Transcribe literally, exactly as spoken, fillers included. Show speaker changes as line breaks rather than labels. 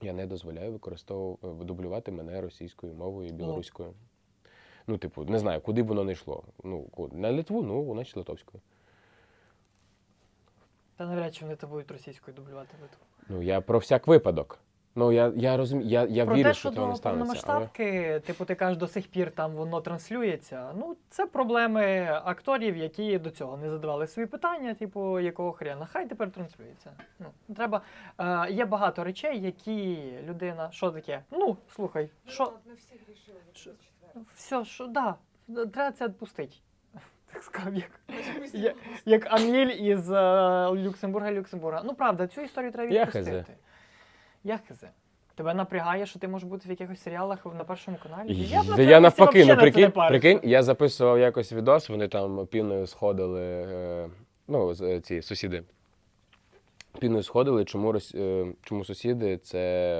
Я не дозволяю використовувати, дублювати мене російською мовою і білоруською. Ну, типу, не знаю, куди б воно не йшло. Ну, на Литву, ну, значить литовською.
Та навряд чи вони то будуть російською дублювати Литву.
Ну, я про всяк випадок. Ну, я, я розумію, я, я
Про
вірю,
те,
що
що
цього не
до
станеться. Але...
повномасштабки, типу, ти кажеш, до сих пір там воно транслюється. Ну, це проблеми акторів, які до цього не задавали свої питання, типу, якого хрена. Хай тепер транслюється. Ну, треба. Е, є багато речей, які людина. Що таке? Ну, слухай, що.
Ми всі грішили
Що? Все, що, да, треба це відпустити. Так сказав, як, як, як Аміль із е, Люксембурга, Люксембурга. Ну, правда, цю історію треба
Я
відпустити.
хз.
Я хз. Тебе напрягає, що ти можеш бути в якихось серіалах на Першому каналі?
Я,
б на
я
цьому
навпаки,
місці
ну
взагалі на це не
прикинь,
парився.
прикинь, я записував якось відос, вони там піною сходили, е, ну, з- е, ці сусіди. Піною сходили, чому, рос- е, чому сусіди це